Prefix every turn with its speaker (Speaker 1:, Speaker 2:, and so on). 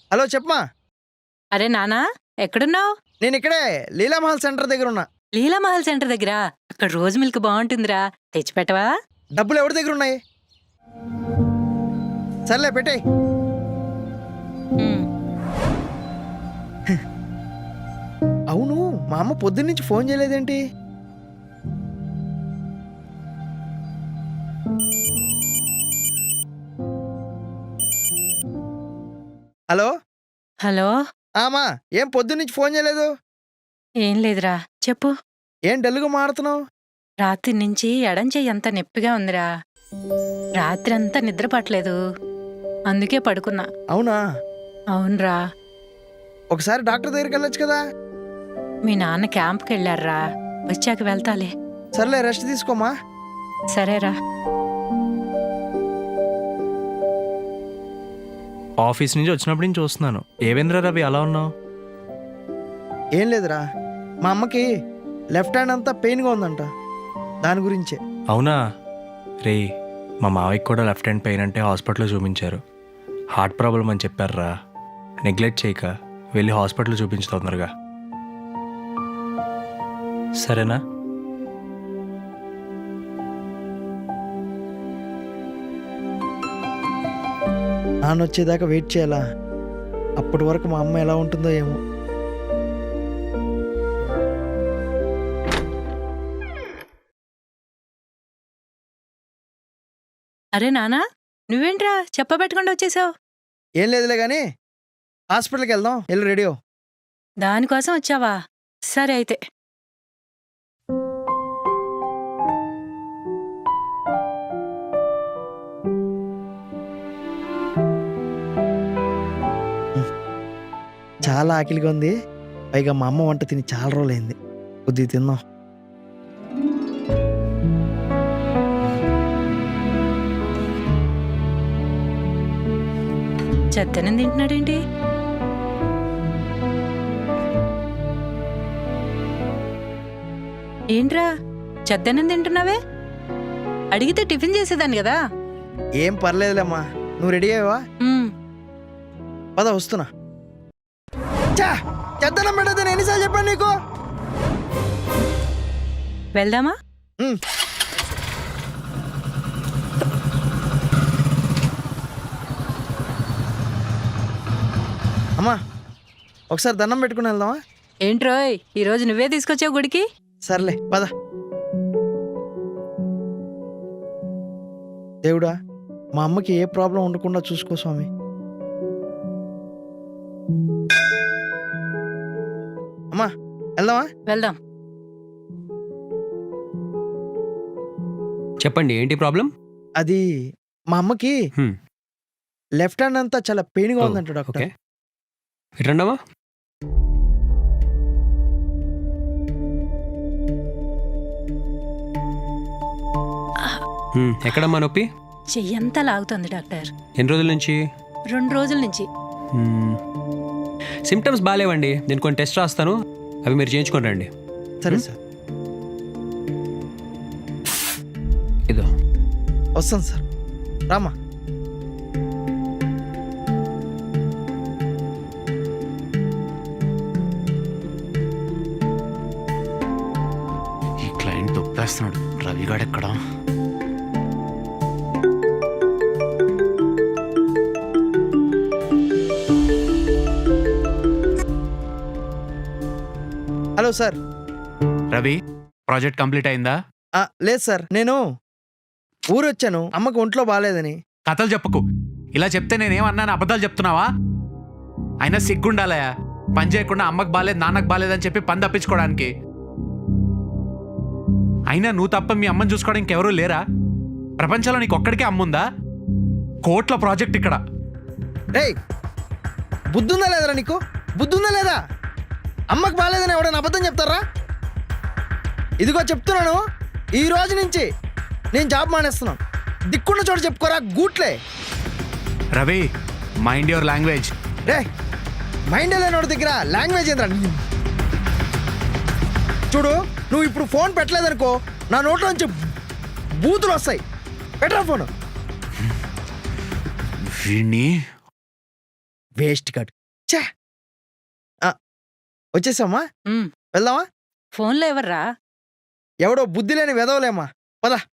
Speaker 1: Hello చెప్పమా.
Speaker 2: అరే నానా, ఎక్కడున్నావు?
Speaker 1: నేను ఇక్కడే లీలామహల్ సెంటర్ దగ్గర ఉన్నా.
Speaker 2: లీలామహల్ సెంటర్ దగ్గర అక్కడ రోజు మిల్క్ బాగుంటుందిరా, తెచ్చిపెట్టవా?
Speaker 1: డబ్బులు ఎవరి దగ్గర ఉన్నాయి? సర్లే పెట్టేయ్. అవును, మా అమ్మ పొద్దున్నుంచి ఫోన్ చేయలేదేంటి? Hello
Speaker 2: hello.
Speaker 1: ఆమా, ఏం పొద్దున్నుంచి ఫోన్ చేయలేదు?
Speaker 2: ఏం లేదురా, చెప్పు.
Speaker 1: ఏం డల్లుగా మాడుతున్నావు?
Speaker 2: రాత్రి నుంచి ఎడం చెయ్యి అంత నొప్పిగా ఉందిరా. రాత్రి అంతా నిద్ర పట్టలేదు, అందుకే పడుకున్నా.
Speaker 1: అవునా?
Speaker 2: అవునరా.
Speaker 1: ఒకసారి డాక్టర్ దగ్గరికి వెళ్ళొచ్చు కదా.
Speaker 2: మీ నాన్న క్యాంప్కి వెళ్ళారా, వచ్చాక వెళ్తాలే.
Speaker 1: సర్లే, రెస్ట్ తీసుకోమా.
Speaker 2: సరేరా.
Speaker 3: ఆఫీస్ నుంచి వచ్చినప్పటి నుంచి చూస్తున్నాను. ఏవేంద్ర రవి అలా ఉన్నావు?
Speaker 1: ఏం లేదురా, మా అమ్మకి లెఫ్ట్ హ్యాండ్ అంతా పెయిన్గా ఉందంట, దాని గురించే.
Speaker 3: అవునా రే, మా మావయ్యకి కూడా లెఫ్ట్ హ్యాండ్ పెయిన్ అంటే హాస్పిటల్లో చూపించారు. హార్ట్ ప్రాబ్లం అని చెప్పారురా. నెగ్లెక్ట్ చేయక వెళ్ళి హాస్పిటల్లో చూపించు తొందరగా, సరేనా?
Speaker 1: నాన్న వచ్చేదాకా వెయిట్ చేయాలా? అప్పటి వరకు మా అమ్మ ఎలా ఉంటుందో ఏమో.
Speaker 2: అరే నానా, నువ్వేంట్రా చెప్పబెట్టకుండా వచ్చేసావు?
Speaker 1: ఏం లేదులే కానీ హాస్పిటల్కి వెళ్దాం, వెళ్ళి రెడీ అవ్వు.
Speaker 2: దానికోసం వచ్చావా? సరే అయితే.
Speaker 1: చాలా ఆకలిగా ఉంది, పైగా మా అమ్మ వంట తిని చాలా రోజులైంది. కొద్దిగా తిందాం.
Speaker 2: చెత్తనం తింటున్నాడేంటి? ఏంట్రా చెత్తనం తింటున్నావే? అడిగితే టిఫిన్ చేసేదాన్ని కదా.
Speaker 1: ఏం పర్లేదులేమ్మా, నువ్వు రెడీ అయ్యావా? పద, వస్తున్నా. చెద్దనం పెట్టదని ఎన్నిసార్లు చెప్పాను నీకు?
Speaker 2: వెళ్దామా?
Speaker 1: అమ్మా, ఒకసారి దండం పెట్టుకుని వెళ్దామా?
Speaker 2: ఏంట్రోయ్, ఈరోజు నువ్వే తీసుకొచ్చావు గుడికి?
Speaker 1: సర్లే పద. దేవుడా, మా అమ్మకి ఏ ప్రాబ్లం ఉండకుండా చూసుకో స్వామి. అమ్మా, వెళ్దామా?
Speaker 2: వెళ్దాం.
Speaker 4: చెప్పండి, ఏంటి ప్రాబ్లం?
Speaker 1: అది మా అమ్మకి లెఫ్ట్ హ్యాండ్ అంతా చాలా పెయిన్గా ఉందంట డాక్టర్.
Speaker 4: ఓకే, ఇట్రండమ్మా. ఎక్కడమ్మా నొప్పి?
Speaker 2: చెయ్యంతా లాగుతుంది డాక్టర్.
Speaker 4: ఎన్ని రోజుల నుంచి?
Speaker 2: 2 రోజుల నుంచి.
Speaker 4: సిమ్టమ్స్ బాగాలేవండి, నేను కొన్ని టెస్ట్ రాస్తాను, అవి మీరు చేయించుకొని రండి.
Speaker 1: సరే సార్.
Speaker 4: ఇదో
Speaker 1: వస్తాను సార్, రామా.
Speaker 5: ఈ క్లయింట్ తొప్పేస్తున్నాడు. రవిగాడు ఎక్కడా?
Speaker 1: Hello sir.
Speaker 5: Ravi, project complete అయిందా?
Speaker 1: లేదు సార్, నేను ఊరు వచ్చాను, అమ్మకి ఒంట్లో బాగాలేదని.
Speaker 5: కథలు చెప్పకు. ఇలా చెప్తే నేనేమన్నాను, అబద్ధాలు చెప్తున్నావా? అయినా సిగ్గుండాలయా, పని చేయకుండా అమ్మకు బాలేదు నాన్నకు బాలేదని చెప్పి పని తప్పించుకోవడానికి. అయినా నువ్వు తప్ప మీ అమ్మని చూసుకోవడం ఇంకెవరూ లేరా? ప్రపంచంలో నీకు ఒక్కడికే అమ్ముందా? కోట్ల ప్రాజెక్ట్ ఇక్కడ.
Speaker 1: రేయ్, బుద్ధుందా లేదరా నీకు? బుద్ధుందా లేదా? అమ్మకు బాగాలేదని ఎవడైనా అబద్ధం చెప్తారా? ఇదిగో చెప్తున్నాను, ఈ రోజు నుంచి నేను జాబ్ మానేస్తున్నాను. దిక్కున్న చోట చెప్పుకోరా గూట్లే.
Speaker 5: Ravi, mind your language.
Speaker 1: రే, మైండ్ లేనోడి దగ్గర లాంగ్వేజ్ ఏంద్రా? చూడు, నువ్వు ఇప్పుడు ఫోన్ పెట్టలేదనుకో, నా నోట్లో నుంచి బూతులు వస్తాయి. పెట్టరా ఫోను.
Speaker 5: వీణ్ణి
Speaker 1: వేస్ట్ కాడు. ఛే! వచ్చేసామా?
Speaker 2: ఉమ్,
Speaker 1: వెళ్దామా?
Speaker 2: ఫోన్లో ఎవర్రా?
Speaker 1: ఎవడో బుద్ధి లేని వెదవలేమ్మా. పద.